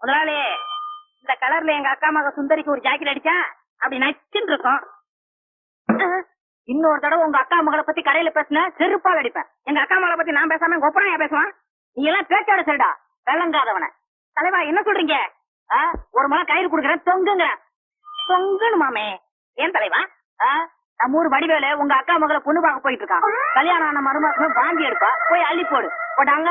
முதலாளி, இந்த கலர்ல எங்க அக்கா மக சுந்தரிக்கு ஒரு ஜாக்கெட் அடிச்சா அப்படி நச்சுன்னு இருக்கும். இன்னொரு தடவை உங்க அக்கா மகளை பத்தி கடையில பேசின செருப்பால் அடிப்பேன். எங்க அக்கா மகளை பத்தி நான் பேசாம கொப்பனையா பேசுவான். நீ எல்லாம் பேச்சோட சரிடா, விளங்காதவன. தலைவா என்ன சொல்றீங்க? ஒரு முறை கயிறு குடுக்கறேன், தொங்குங்க. தொங்கணுமாமே. ஏன் தலைவா? நம்ம ஊர் வடிவேல உங்க அக்கா மகளை பொண்ணு பார்க்க போயிட்டு இருக்கான். கல்யாணம் ஆன மருமாசம் வாங்கி எடுப்பா, போய் அள்ளி போடு. போட்டாங்க.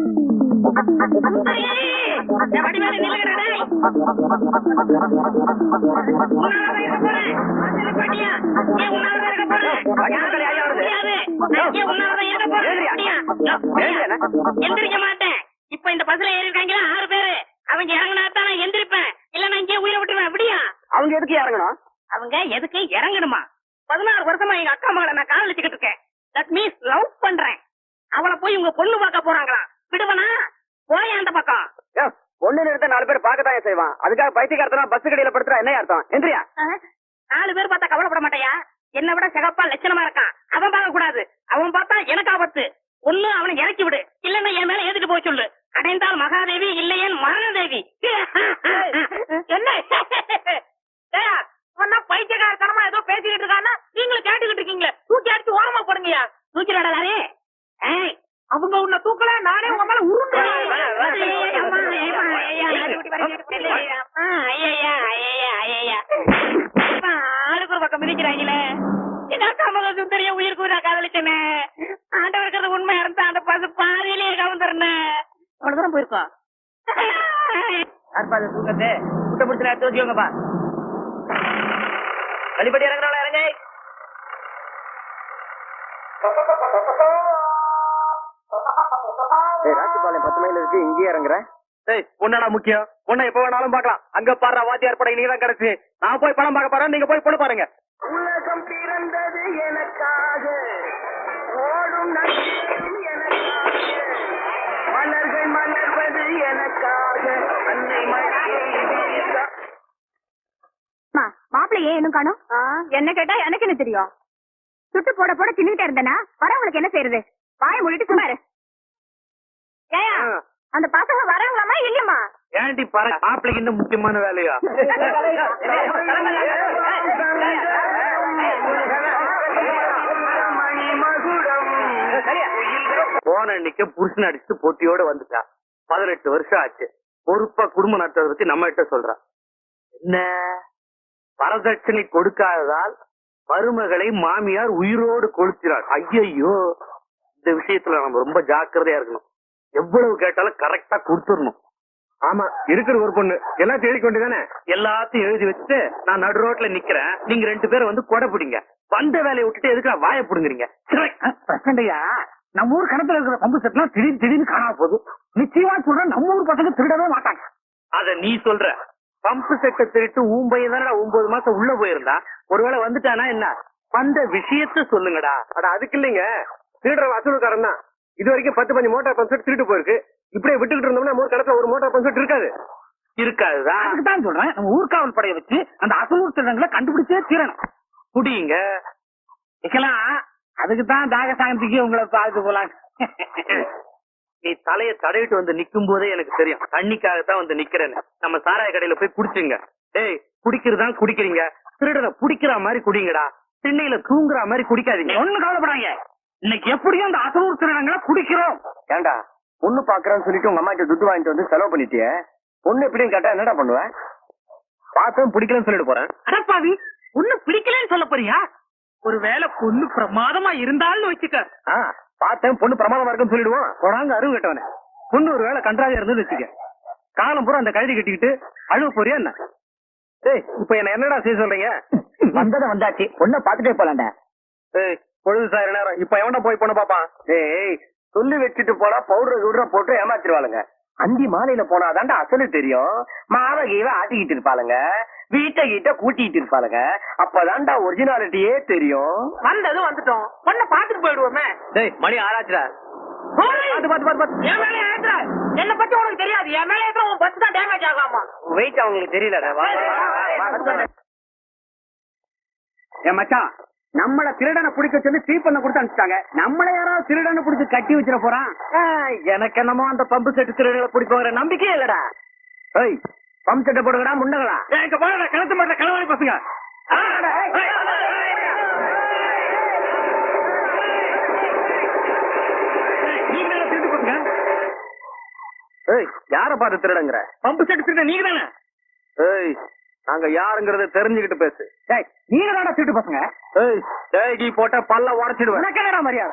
எந்திரிக்க மாட்டேன். இப்ப இந்த பஸ்ல ஏறி இருக்காங்களா 6 பேரு. அவங்க இறங்கினாத்தான் நான் எந்திரிப்பேன். இல்ல நான் இங்கே உயிரை விட்டுருவேன். அப்படியா? அவங்க எதுக்கு இறங்கணும்? அவங்க எதுக்கு இறங்கணுமா? 16 வருஷமா எங்க அக்கா மகளை நான் காதலிச்சுக்கிட்டு இருக்கேன். தட் மீன்ஸ் லவ் பண்றேன். அவளை போய் உங்க பொண்ணு பார்க்க போறாங்களா? விடுவனா? போய் அந்த பக்கம். பொண்ணு நிறுத்த 4 பேர் பார்க்கத்தான் செய்வான். அதுக்காக பைத்தியக்காரத்தனா பஸ் கடையில படுத்துறா என்ன அர்த்தம்? எந்திரியா? 4 பேர் பார்த்தா கவலைப்பட மாட்டாயா? என்னை விட சிகப்பா லட்சணமா இருக்கான். அவன் பார்க்க கூடாது. அவன் பார்த்தா எனக்கு ஆபத்து. ஒண்ணு அவனை இறக்கி விடு, இல்லன்னா என் மேல ஏத்துட்டு போய் சொல்லு. அடைந்தால் மகாதேவி, இல்லையேன் மரணதேவி. என்ன பைத்தியக்காரத்தனமா ஏதோ பேசிக்கிட்டு இருக்கான்னா நீங்களும் கேட்டுக்கிட்டு இருக்கீங்களே. தூக்கி அடிச்சு ஓரமா போடுங்கயா. தூக்கிடாடே. அவங்க உன்னை தூக்கல, நானே உங்க மேல உருண்டேன். ஆளுக்கு ஒரு பக்கம் மிதிக்கிறாங்களே. எங்க அக்கா மக சுந்தரிய உயிருக்கு நான் காதலிச்சேனே. ஆண்டவருக்கு உண்மையா இருந்தா அந்த பசு பாதையிலேயே கவுந்துறேன். அவ்வளவு தூரம் போயிருக்கோம். தூக்கத்தை முட்டை பிடிச்சு எடுத்து வச்சுக்கோங்கப்பா. வழிபடி இறங்குறாங்களா? இறங்க. ராசிபாளையம் 10 மைல் இருக்கு, இங்கேயே இறங்குறேன். பொண்ணா முக்கியம். பொண்ணை எப்ப வேணாலும் பாக்கலாம். அங்க பாரு வாத்தியார் படை நீங்க தான் கிடைச்சு. நான் போய் படம் பார்க்க போறேன், நீங்க போய் பொண்ணு பாருங்க. உலகம் பிறந்தது எனக்காக, ஓடும் நட்சத்திரம் எனக்காக, மலர்கள் மலர்வது எனக்காக, அன்னை மாப்பிள்ளை ஏன் இன்னும் காணும்? என்ன கேட்டா எனக்கு என்ன தெரியும்? சுட்டு போட போட தின்னுட்டே இருந்தேனா வரவங்களுக்கு என்ன செய்யறது? வாய மூடிட்டு சும்மா இரு. ஏயா அந்த பசங்க வரவங்களாமா இல்லையம்மா? ஏன்டி பாரு, மாப்பிள்ளைக்கு இன்னும் முக்கியமான வேலையா? போன அன்னைக்கு புருஷன் அடிச்சு போட்டியோட வந்துட்டா. 18 வருஷம் ஆச்சு. பொறுப்பா குடும்பம் நடத்துறத பத்தி நம்ம கிட்ட சொல்றா. என்ன வரதட்சணை கொடுக்காததால் மருமகளை மாமியார் உயிரோடு கொளுத்தினார். ஐயோ, இந்த விஷயத்துல நம்ம ரொம்ப ஜாக்கிரதையா இருக்கணும். எவ்வளவு கேட்டாலும் கரெக்டா கொடுத்துடணும். ஆமா, இருக்கிற ஒரு பொண்ணு எல்லாத்தையும் எழுதி கொண்டுதானே? எல்லாத்தையும் எழுதி வச்சுட்டு நான் நடு ரோட்ல நிக்கிறேன். நீங்க 2 பேரும் வந்து கொடை பிடிங்க. வந்த வேலையை விட்டுட்டு எதுக்கு வாயை பிடுங்குறீங்க? பிரச்சனையா? நம்ம ஊர் கணத்துல இருக்கிற பம்பு செட் எல்லாம் திடீர்னு காணாம போகுது. நிச்சயமா சொல்றேன், நம்ம ஊர் பசங்க திருடவே மாட்டாங்க. அத நீ சொல்ற. பம்பு செட்டை திருட்டு ஊம்பையும் தானடா 9 மாசம் உள்ள போயிருந்தா. ஒருவேளை வந்துட்டானா என்ன? வந்த விஷயத்த சொல்லுங்கடா. அட அதுக்கு இல்லைங்க, திருடுற வசூலுக்காரன் தான். இது வரைக்கும் 10-15 மோட்டார் பம்பு செட் திருட்டு போயிருக்கு. இப்படியே விட்டுக்கிட்டு இருந்தோம்னா ஊர் கடத்துல ஒரு மோட்டார் பம்பு செட் இருக்காது. இருக்காதுதான். அதுக்குதான் சொல்றேன், நம்ம ஊர்காவல் படையை வச்சு அந்த அசலூர் திருடங்களை கண்டுபிடிச்சே தீரணும். புடிங்க வைக்கலாம். அதுக்குதான் தாக சாயந்திக்கு உங்களை பார்த்து போலாம். நீ தலைய தடவிட்டு வந்து நிக்கும் போதே எனக்கு தெரியும் தண்ணிக்காகத்தான் வந்து நிக்கிறேன்னு. நம்ம சாராய கடையில போய் குடிச்சுங்க. டேய், குடிக்கிறதான் குடிக்கிறீங்க, திருடனை குடிக்கிற மாதிரி குடிங்கடா. திண்ணையில தூங்குற மாதிரி குடிக்காதீங்க. ஒண்ணு கவலைப்படாங்க, இன்னைக்கு எப்படியும் அந்த அசலூர் திருடங்களை குடிக்கிறோம். ஏண்டா பொண்ணு பாக்குறேன்னு சொல்லிட்டு உங்க அம்மா கிட்ட துட்டு வாங்கிட்டு வந்து செலவு பண்ணிட்டிய. பொண்ணு எப்படின்னு கேட்டா என்னடா பண்ணுவேன்? பார்த்தோம் பிடிக்கலன்னு சொல்லிட்டு போறேன். அடப்பாவி, பொண்ணு பிடிக்கலன்னு சொல்ல போறியா? ஒருவேளை பொண்ணு பிரமாதமா இருந்தாலும் வச்சுக்க. பார்த்தேன் பொண்ணு பிரமாதமா இருக்குன்னு சொல்லிடுவோம். கொடாங்க அருவு கட்டவன. பொண்ணு ஒரு வேளை கன்றாவியா இருந்தது வச்சுக்க. காலம் பூரா அந்த கழுதி கட்டிக்கிட்டு அழுவ போறியா என்ன? டேய், இப்ப என்ன என்னடா செய்ய சொல்றீங்க? வந்தத வந்தாச்சு, பொண்ணை பாத்துட்டே போலாண்டா. ஏய், பொழுது சாயிர நேரம், இப்ப எவன்டா போய் பொண்ணு பாப்பான்? ஏய், சொல்லி வச்சுட்டு போனா பவுடர் கிவுடர போட்டு ஏமாத்திருவாளுங்க. அந்தி மாலையில போனாதாண்டா அசலு தெரியும். மாவகையில ஆட்டிக்கிட்டு இருப்பாளுங்க, வீட்டை கிட்ட கூட்டிட்டு இருப்பாளுங்க. அப்பதான்டா ஒரிஜினாலிட்டியே தெரியும். வந்ததும் வந்துட்டோம், பொண்ணை பாத்துட்டு போயிடுவோமே. டேய், மணி ஆராய்ச்சிடா. என்ன பத்தி உனக்கு தெரியாது. என் மேல ஏற்ற உன் பஸ் தான் டேமேஜ் ஆகாமா? வெயிட் அவங்களுக்கு தெரியலடா. என் மச்சான், நம்மள திருடனை பிடிக்க சொல்லி சீப் பண்ண கொடுத்து அனுப்பிச்சிட்டாங்க. நம்மள யாராவது திருடனை பிடிச்சி கட்டி வச்சிட போறான். எனக்கு என்னமோ அந்த பம்பு செட்டு திருடனை பிடிப்போங்கிற நம்பிக்கையே இல்லடா. ஏய் பம்ப் செட்டை போடுங்கடா முண்டங்களா எங்க போடா கிணத்து மாட்டல களவாணி பசங்க நீங்க தானே திருட்டு பசங்க ஏய் யார பார்த்து திருடங்கற பம்ப் செட் திருட நீங்க தானே ஏய் நாங்க யாருங்கறத தெரிஞ்சுக்கிட்டு பேசு டேய் நீங்க தானே திருட்டு பசங்க ஏய் டேய் கீ போட்ட பல்ல உடைச்சிடுவேன் எனக்கு என்னடா மரியாதை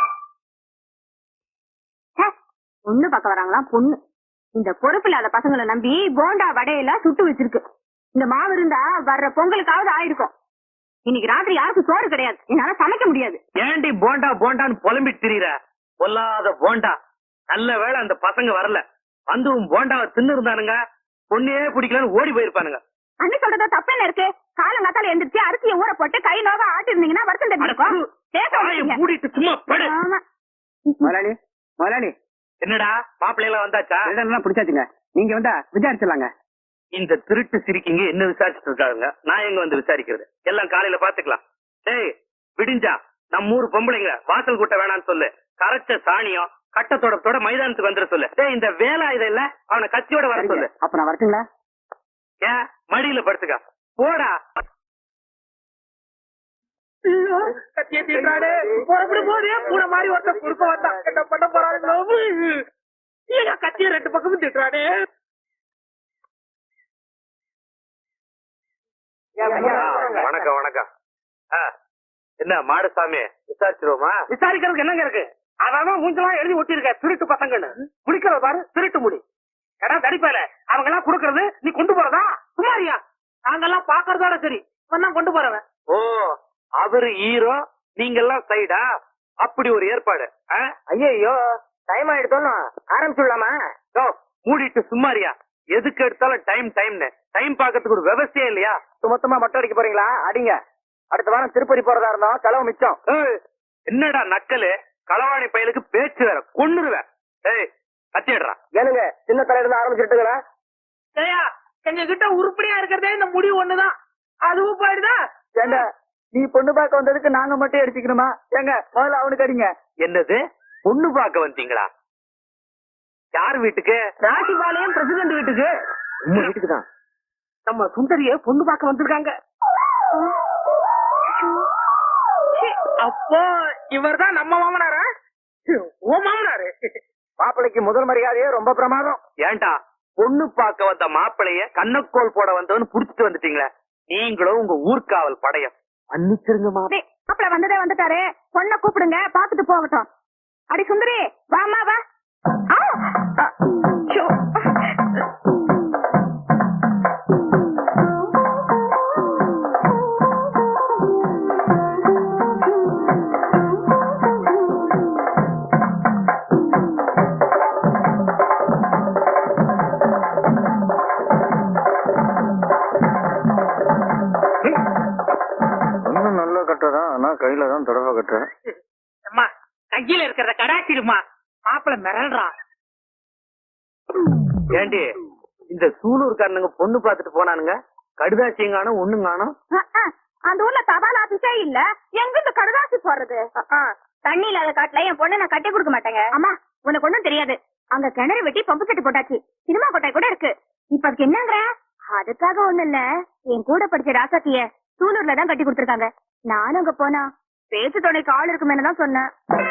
பொண்ணு பார்க்க வராங்களா பொண்ணு இந்த பொறுப்பு இல்லாத பசங்களை நம்பி போண்டா வடையெல்லாம் சுட்டு வச்சிருக்கு இந்த மாவு இருந்தா வர்ற பொங்கலுக்காவது ஆயிருக்கும் இன்னைக்கு ராத்திரி யாருக்கும் சோறு கிடையாது என்னால சமைக்க முடியாது ஏண்டி போண்டா போண்டான்னு புலம்பிட்டு திரியற பொல்லாத போண்டா நல்ல வேளை அந்த பசங்க வரல வந்தும் போண்டாவை தின்னு இருந்தானுங்க பொண்ணையே பிடிக்கலன்னு ஓடி போயிருப்பானுங்க அண்ணி சொல்றதா தப்பு என்ன இருக்கு காலங்காத்தால எந்திரிச்சு அரிசியை ஊற போட்டு கை நோக ஆட்டி இருந்தீங்கன்னா வருத்தம் தெரிஞ்சிருக்கும் மூடிட்டு சும்மா படு முதலாளி முதலாளி என்னடா மாப்பிள்ளை எல்லாம் வந்தாச்சா இதெல்லாம் பிடிச்சாச்சுங்க நீங்க வந்தா விசாரிச்சிடலாங்க இந்த திருட்டு சிரிக்கிங்க என்ன விசாரிச்சுட்டு இருக்காங்க நான் எங்க வந்து விசாரிக்கிறது எல்லாம் காலையில பாத்துக்கலாம் டேய் விடிஞ்சா நம்ம ஊர் பொம்பளைங்க வாசல் கூட்ட வேணாம்னு சொல்லு கரைச்ச சாணியம் கட்டத்தோட மைதானத்துக்கு வந்துட சொல்லு டேய் இந்த வேலை இத இல்ல அவனை கத்தியோட வர சொல்லு அப்ப நான் வரட்டுங்களா ஏன் மடியில படுத்துக்க போடா கத்திய தீட்டாடே புறப்படு போதே பூனை மாதிரி ஒருத்த குறுக்க வந்தா என்ன பண்ண போறாங்களோ ஏங்க கத்திய ரெண்டு பக்கமும் திட்டுறாடே வணக்கம் வணக்கம் என்ன மாடசாமி விசாரிச்சிருவோமா விசாரிக்கிறதுக்கு என்னங்க இருக்கு அதான் மூஞ்செல்லாம் எழுதி ஒட்டிருக்க திருட்டு பசங்கன்னு குடிக்கிற பாரு திருட்டு முடி கடா தடிப்பேல அவங்க எல்லாம் குடுக்கறது நீ கொண்டு போறதா சுமாரியா நாங்கெல்லாம் பாக்குறதோட சரி இவன் கொண்டு போறவன் ஓ அவரு ஹீரோ நீங்க எல்லாம் சைடா அப்படி ஒரு ஏற்பாடு ஐயோ டைம் ஆயிடுத்தோம் ஆரம்பிச்சுடலாமா மூடிட்டு சும்மாரியா எதுக்கு எடுத்தாலும் டைம்னு டைம் பாக்கிறதுக்கு ஒரு விவசாயம் இல்லையா மொத்தமா மொட்டை அடிக்க போறீங்களா அடிங்க அடுத்த வாரம் திருப்பதி போறதா இருந்தோம் செலவு மிச்சம் என்னடா நக்கலு களவாணி பயலுக்கு பேச்சு வேற கொன்னுருவேன் ஏய் கத்திடுறான் ஏனுங்க சின்ன தலையில இருந்து ஆரம்பிச்சுட்டுங்களா எங்க கிட்ட உருப்படியா இருக்கிறதே இந்த முடிவு ஒண்ணுதான் அதுவும் போயிடுதா ஏங்க நீ பொண்ணு பார்க்க வந்ததுக்கு நாங்க மட்டும் அடிச்சுக்கணுமா ஏங்க முதல்ல அவனுக்கு அடிங்க என்னது பொண்ணு பார்க்க வந்தீங்களா யார் வீட்டுக்கு ராசிபாளையம் பிரசிடண்ட் வீட்டுக்கு உங்க வீட்டுக்கு தான் நம்ம சுந்தரிய பொண்ணு பார்க்க வந்திருக்காங்க அப்போ இவர் தான் நம்ம மாமனாரா ஓ மாமனாரு மாப்பிள்ளைக்கு முதல் மரியாதையே ரொம்ப பிரமாதம் ஏன்டா பொண்ணு பார்க்க வந்த மாப்பிளைய கண்ணக்கோல் போட வந்தவன்னு புடிச்சிட்டு வந்துட்டீங்களே நீங்களும் உங்க ஊர்காவல் படையம் மன்னிச்சிருங்க மாப்பிள்ள வந்ததே வந்துட்டாரு பொண்ணை கூப்பிடுங்க பாத்துட்டு போகட்டும் அடி சுந்தரி வாமா வா நல்ல கட்டுறதான் ஆனா கையில தான் தொடர்பு கட்டுறேன் அம்மா கையில இருக்கிறத கடாச்சிருமா மாப்பிள்ள மிரள்றான் ஏண்டி இந்த சூலூர்காரனுங்க பொண்ணு பாத்துட்டு போனானுங்க கடுதாசியங்கானோ ஒண்ணுங்கானோ அந்த ஊர்ல தபால் ஆபீஸே இல்ல எங்க இந்த கடுதாசி போடுறது தண்ணி இல்லாத காட்டுல என் பொண்ணு நான் கட்டி கொடுக்க மாட்டேங்க அம்மா உனக்கு ஒண்ணும் தெரியாது அங்க கிணறு வெட்டி பம்பு கட்டி போட்டாச்சு சினிமா கொட்டாய் கூட இருக்கு இப்ப அதுக்கு என்னங்கிற அதுக்காக ஒண்ணு இல்ல என் கூட படிச்ச ராசாத்திய சூலூர்ல தான் கட்டி கொடுத்திருக்காங்க நானும் அங்க போனா பேச்சு துணைக்கு ஆள் இருக்குமேனு தான் சொன்னேன்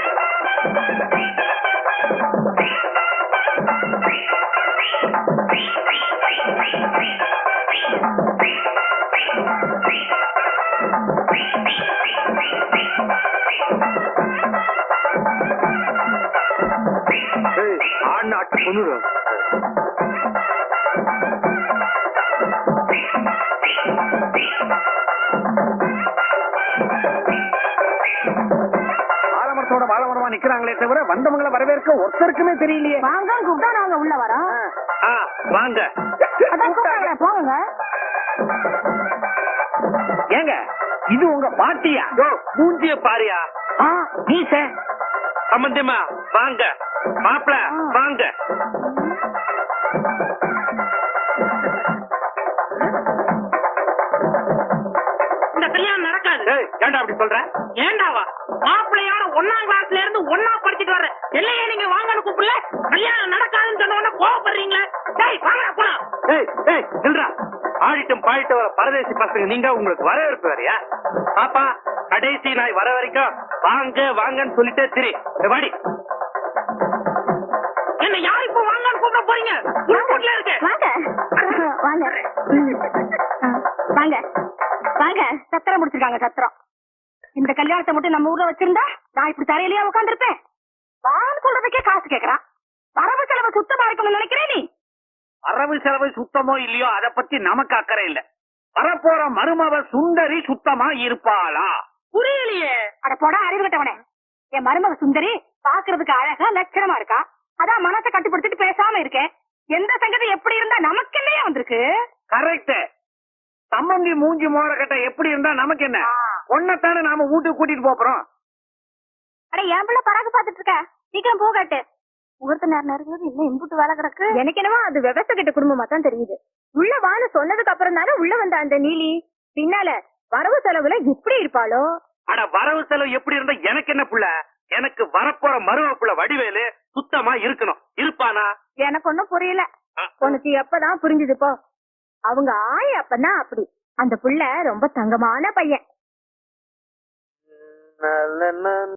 ஆண் நாட்டு பொண்ணு ஆலமரத்தோட வாழமரமா நிக்கிறாங்களே தவிர வந்தவங்களை வரவேற்க ஒருத்தருக்குமே தெரியலையே வாங்க கூப்பிட்டா நாங்க உள்ள வரோம் வாங்க அதான் கூப்பிட்டாங்களே போங்க ஏங்க இது உங்க பாட்டியா மூஞ்சிய பாரியா நீச சம்பந்தமா வாங்க மாப்பிள வாங்க இந்த கல்யாணம் நடக்காது ஏண்டா அப்படி சொல்ற ஏண்டாவா மாப்பிள்ளையோட 1ஆம் கிளாஸ்ல இருந்து ஒன்னா படிச்சுட்டு வர்ற இல்லையே நீங்க வாங்கன்னு கூப்பிடல கல்யாணம் நடக்காதுன்னு சொன்ன உடனே கோவப்படுறீங்களே டேய் வாங்கடா போலாம். ஏய் ஏய் நில்றா. ஆடிட்டும் பாடிட்டு வர பரதேசி பசங்க நீங்க உங்களுக்கு வரவேற்பு வேறையா? பாப்பா கடைசி நாய் வர வரைக்கும் வாங்க வாங்கன்னு சொல்லிட்டே திரி. வாடி. என்ன யார் இப்ப வாங்கன்னு கூப்பிட போறீங்க? உள்கூட்ல இருக்கு. வாங்க வாங்க வாங்க வாங்க. சத்திரம் முடிச்சிருக்காங்க சத்திரம். இந்த கல்யாணத்தை மட்டும் நம்ம ஊர்ல வச்சிருந்தா நான் இப்படி தரையிலேயே உட்காந்துருப்பேன். வான்னு சொல்றதுக்கே காசு கேக்குறான். வரவு செலவு சுத்தமா இருக்கணும்னு நினைக்கிறேன் நீ. வரவு செலவு சுத்தமோ இல்லையோ அத பத்தி நமக்கு அக்கறை இல்ல. வரப்போற மருமவ சுந்தரி சுத்தமா இருப்பாளா? புரியலையே. அட போடா அறிவு கட்டவனே. என் மருமக சுந்தரி பாக்குறதுக்கு அழகா லட்சணமா இருக்கா. அதான் மனசை கட்டுப்படுத்திட்டு பேசாம இருக்கேன். எந்த சங்கதி எப்படி இருந்தா நமக்கு என்னையா வந்திருக்கு? கரெக்ட். சம்மந்தி மூஞ்சி மோர கட்ட எப்படி இருந்தா நமக்கு என்ன? ஒன்னத்தானே நாம வீட்டுக்கு கூட்டிட்டு போறோம். அட என் பிள்ளை பராக்கு பாத்துட்டு இருக்க. சீக்கிரம் போகாட்டு. முகூர்த்த நேரம் இருக்குது. இன்னும் இன்புட்டு வேலை கிடக்கு. எனக்கு என்னவோ அது விவசாய கிட்ட குடும்பமா தான் தெரியுது. உள்ள வான்னு சொன்னதுக்கு அப்புறம் தானே உள்ள வந்த அந்த நீலி பின்னால வரவு செலவுல எப்படி இருப்பாளோ? அட வரவு செலவு எப்படி இருந்தா எனக்கு என்ன புள்ள? எனக்கு வரப்போற மருமக புள்ள வடிவேலு சுத்தமா இருக்கணும். இருப்பானா? எனக்கு ஒண்ணும் புரியல. உனக்கு எப்பதான் புரிஞ்சுது போ. அவங்க ஆய அப்பதான் அப்படி. அந்த புள்ள ரொம்ப தங்கமான பையன்.